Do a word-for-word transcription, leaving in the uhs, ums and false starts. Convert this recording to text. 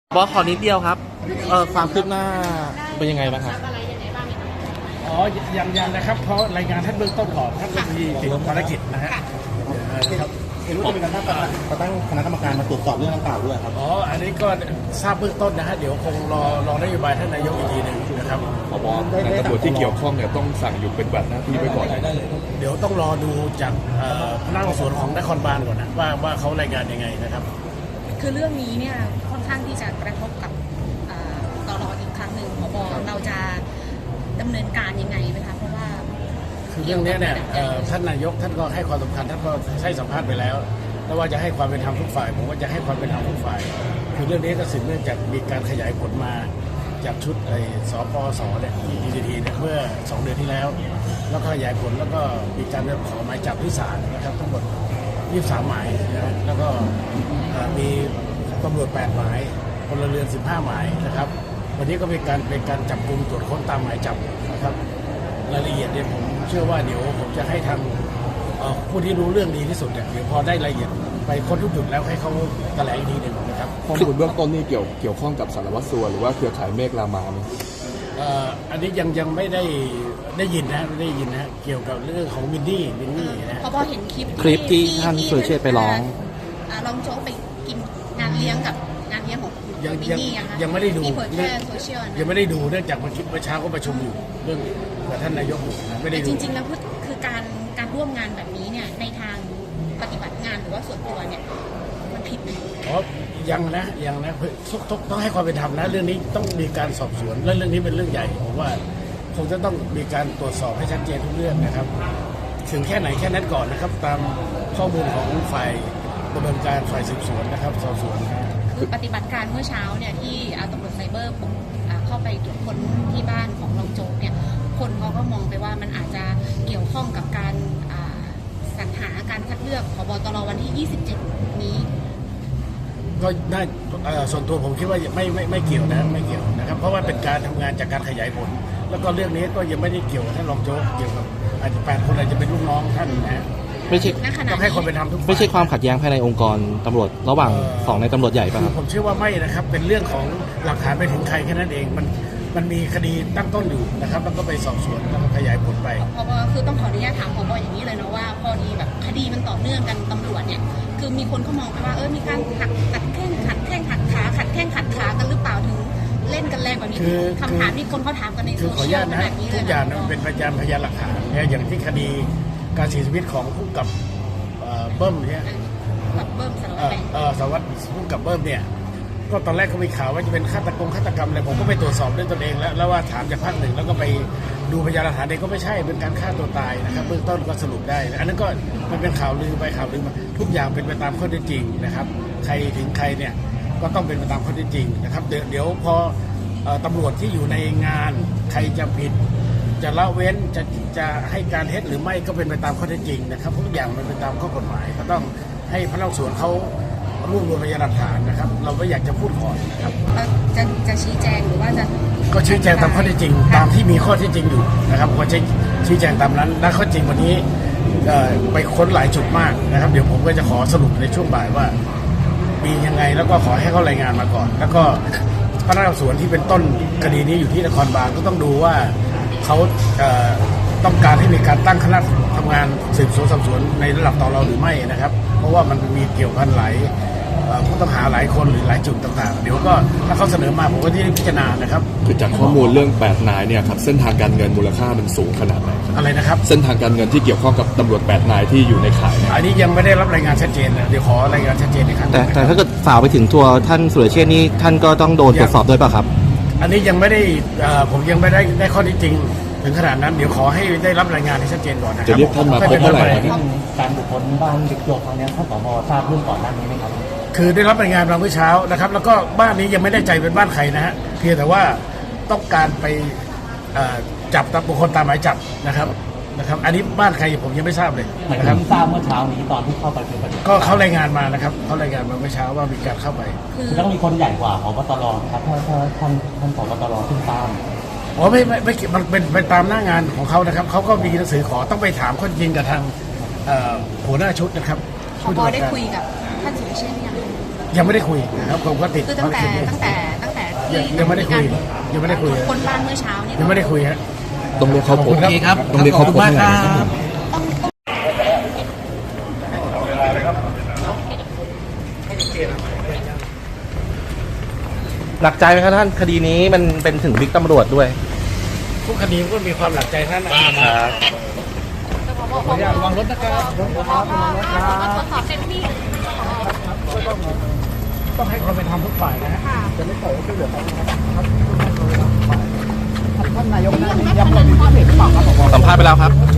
บอสขอนิดเดียวครับเออความคืบหน้าเป็นยังไงบ้างครับอ๋อยังยังนะครับเพราะรายงานท่านเบื้องต้นก่อนท่านมีติดภารกิจนะฮะครับเห็นว่าจะมีการตั้งตั้งคณะกรรมการมาตรวจสอบเรื่องดังกล่าวด้วยครับอ๋ออันนี้ก็ทราบเบื้องต้นนะฮะเดี๋ยวคงรอรอนโยบายท่านนายกอีกทีหนึ่งนะครับผบในตำรวจที่เกี่ยวข้องเนี่ยต้องสั่งหยุดปฏิบัติหน้าที่ไว้ก่อนเดี๋ยวต้องรอดูจากพนักงานสอบสวนของนครบาลก่อนนะว่าว่าเขารายงานยังไงนะครับคือเรื่องนี้เนี่ยค่อนข้างที่จะกระทบกับตลออีกครั้งหนึ่งผบเราจะดำเนินการยังไงไหมคะเพราะว่าคือเรื่องนี้เนี่ยท่านนายกท่านก็ให้ความสำคัญท่านก็ให้สัมภาษณ์ไปแล้วแล้วว่าจะให้ความเป็นธรรมทุกฝ่ายผมว่าจะให้ความเป็นธรรมทุกฝ่ายคือเรื่องนี้ก็สืบเนื่องจากมีการขยายผลมาจากชุดไอ้สปสเนี่ยดีทีเนี่ยเมื่อสองเดือนที่แล้วแล้วก็ขยายผลแล้วก็มีการขอหมายจับที่ศาลนะครับทั้งหมดยี่สิบสามหมายนะแล้วก็มีตำรวจแปดหมายพลเรือนสิบห้าหมายนะครับวันนี้ก็เป็นการเป็นการจับกุมตรวจค้นตามหมายจับนะครับรายละเอียดเนี่ยผมเชื่อว่าเดี๋ยวผมจะให้ทางผู้ที่รู้เรื่องดีที่สุดเนี่ยเดี๋ยวพอได้รายละเอียดไปค้นทุกจุดแล้วให้เขาแถลงอีกทีหนึ่งนะครับข้อมูลเบื้องต้นนี่เกี่ยวเกี่ยวข้องกับสารวัตรสัวหรือว่าเครือข่ายเมฆรามาไหมอันนี้ยังยังไม่ได้ได้ยินนะไม่ได้ยินนะเกี่ยวกับเรื่องของมินดี้มินนี่นะพอพอเห็นคลิปคลิปที่ท่านสุรเชษฐ์ไปร้องลองโจ๊กไปกินงานเลี้ยงกับงานเลี้ยงของยังมินนี่ยังยังไม่ได้ดูที่เผยแพร่โซเชียลยังไม่ได้ดูเนื่องจากเมื่อกี้เมื่อเช้าก็ประชุมอยู่เรื่องกับท่านนายกอยู่ไม่ได้ดูจริงๆแล้วคือการการร่วมงานแบบนี้เนี่ยในทางปฏิบัติงานหรือว่าส่วนตัวเนี่ยมันผิดไหมอ๋อยังนะยังนะทุกทุกต้องให้ความเป็นธรรมนะเรื่องนี้ต้องมีการสอบสวนและเรื่องนี้เป็นเรื่องใหญ่ผมว่าคงจะต้องมีการตรวจสอบให้ชัดเจนทุกเรื่องนะครับถึงแค่ไหนแค่นั้นก่อนนะครับตามข้อมูลของฝ่ายดำเนินการฝ่ายสืบสวนนะครับสอบสวนคือปฏิบัติการเมื่อเช้าเนี่ยที่ตำรวจไซเบอร์เข้าไปตรวจค้นที่บ้านของรองโจ๊กเนี่ยคนเขาก็มองไปว่ามันอาจจะเกี่ยวข้องกับการสรรหาการคัดเลือกผบตรวันที่ยี่สิบเจ็ดนี้ก็น่าส่วนตัวผมคิดว่าไม่ไม่ไม่เกี่ยวนะไม่เกี่ยวนะครับเพราะว่าเป็นการทำงานจากการขยายผลแล้วก็เรื่องนี้ก็ยังไม่ได้เกี่ยวกับท่านรองโจ๊กเกี่ยวกับอาจจะแปดคนอาจจะเป็นลูกน้องท่านนะไม่ใช่ต้องให้คนเป็นธรรมทุกฝ่ายไม่ใช่ความขัดแย้งภายในองค์กรตำรวจระหว่างสองในตำรวจใหญ่ป่ะครับผมเชื่อว่าไม่นะครับเป็นเรื่องของหลักฐานไปถึงใครแค่นั้นเองมันมันมีคดีตั้งต้นอยู่นะครับแล้วก็ไปสอบสวนแล้วก็ขยายผลไปพบคือต้องขออนุญาตถามผบอย่างนี้เลยนะว่าพอดีแบบคดีมันต่อเนื่องกันตำรวจเนี่ยคือมีคนเขามองไปว่าเออมีการขัดขัดแข้งขัดแข้งขัดขาขัดแข้งขัดขากันหรือเปล่าถึงเล่นกันแรงแบบนี้คือคำถามที่คนเขาถามกันในโซเชียลแบบนี้เลยทุกอย่างมันเป็นพยานพยานหลักฐานเนี่ยอย่างที่คดีการเสียชีวิตของผู้กับเบิ้มเนี่ยกับเบิ้มสารวัตรสารวัตรผู้กับเบิ้มเนี่ยก็ตอนแรกก็มีข่าวว่าจะเป็นฆาตกรรมฆาตกรรมอะไรผมก็ไปตรวจสอบด้วยตนเองแล้วแล้วว่าถามจากภาคหนึ่งแล้วก็ไปดูพยานหลักฐานเองก็ไม่ใช่เป็นการฆ่าตัวตายนะครับเบื้องต้นก็สรุปได้อันนั้นก็มันเป็นข่าวลือไปข่าวลือมาทุกอย่างเป็นไปตามข้อเท็จจริงนะครับใครถึงใครเนี่ยก็ต้องเป็นไปตามข้อเท็จจริงนะครับเดี๋ยวเดี๋ยวพอตำรวจที่อยู่ในงานใครจะผิดจะละเว้นจะจะให้การเท็จหรือไม่ก็เป็นไปตามข้อเท็จจริงนะครับทุกอย่างมันเป็นตามข้อกฎหมายก็ต้องให้พนักงานสอบสวนเขารวบรวมพยานหลักฐานนะครับเราไม่อยากจะพูดก่อนนะครับจะจะชี้แจงหรือว่าจะก็ชี้แจงตามข้อเท็จจริงตามที่มีข้อเท็จจริงอยู่นะครับผมจะชี้แจงตามนั้นและข้อจริงวันนี้ไปค้นหลายจุดมากนะครับเดี๋ยวผมก็จะขอสรุปในช่วงบ่ายว่ามียังไงแล้วก็ขอให้เขารายงานมาก่อนแล้วก็พนักงานสอบสวนที่เป็นต้นคดีนี้อยู่ที่นครบาลก็ต้องดูว่าเขาต้องการให้มีการตั้งคณะทำงานสืบสวนสอบสวนในระดับตรหรือไม่นะครับเพราะว่ามันมีเกี่ยวพันหลายผู้ต้องหาหลายคนหรือหลายจุดต่างๆเดี๋ยวก็ถ้าเขาเสนอมาผมก็ที่พิจารณานะครับคือจากข้อมูลเรื่องแปดนายเนี่ยครับเส้นทางการเงินมูลค่ามันสูงขนาดไหนอะไรนะครับเส้นทางการเงินที่เกี่ยวข้องกับตำรวจแปดนายที่อยู่ในข่ายอันนี้ยังไม่ได้รับรายงานชัดเจนนะเดี๋ยวขอรายงานชัดเจนอีกครั้งแต่แต่ถ้าเกิดฝ่าไปถึงตัวท่านสุรเชษฐ์นี่ท่านก็ต้องโดนตรวจสอบด้วยป่ะครับอันนี้ยังไม่ได้ผมยังไม่ได้ได้ข้อที่จริงถึงขนาดนั้นเดี๋ยวขอให้ได้รับรายงานให้ชัดเจนก่อนนะครับจะเรียกท่านมาพบเมื่อไหร่ครับการบุคคลบ้านเด็กตัวครั้งนี้ท่านผบทราบเรื่องก่อนหน้านี้ไหมครับคือได้รับรายงานมาเมื่อเช้านะครับแล้วก็บ้านนี้ยังไม่ได้ใจเป็นบ้านใครนะฮะเพียงแต่ว่าต้องการไปจับตามบุคคลตามหมายจับนะครับนะครับอันนี้บ้านใครผมยังไม่ทราบเลยนะครับทราบเมื่อเช้านี้ตอนที่เข้าไปเป็นประเด็นก็เขารายงานมานะครับเขารายงานมาเมื่อเช้าว่ามีการเข้าไปคือต้องมีคนใหญ่กว่าผบตรครับถ้าถ้าท่านท่านผบตรขึ้นตามอ๋อไม่ไม่ไม่มันเป็นไปตามหน้างานของเขานะครับเขาก็มีหนังสือขอต้องไปถามข้อจริงกับทางหัวหน้าชุดนะครับผบได้คุยกับท่านสุรเชษฐ์ยังยังไม่ได้คุยนะครับผมก็ติดคือตั้งแต่ภารกิจตั้งแต่ตั้งแต่ที่ยังไม่ได้คุยยังไม่ได้คุยคนบ้านเมื่อเช้านี่ยังไม่ได้คุยฮะต้องเรียกเขาพบขอบคุณครับต้องเรียกเขาพบขอบคุณมากครับต้องต้องหนักใจไหมครับท่านคดีนี้มันเป็นถึงบิ๊กตำรวจด้วยทุกคดีมันก็มีความหนักใจทั้งนั้นนะครับ ระวังรถนะครับตรวจสอบเต็มที่ต้องให้ความเป็นธรรมทุกฝ่ายนะฮะจะไม่ปล่อยให้ช่วยเหลือเขานะครับท่านนายกนะย้ำเลยมีความเห็นหรือเปล่าครับผมสัมภาษณ์ไปแล้วครับ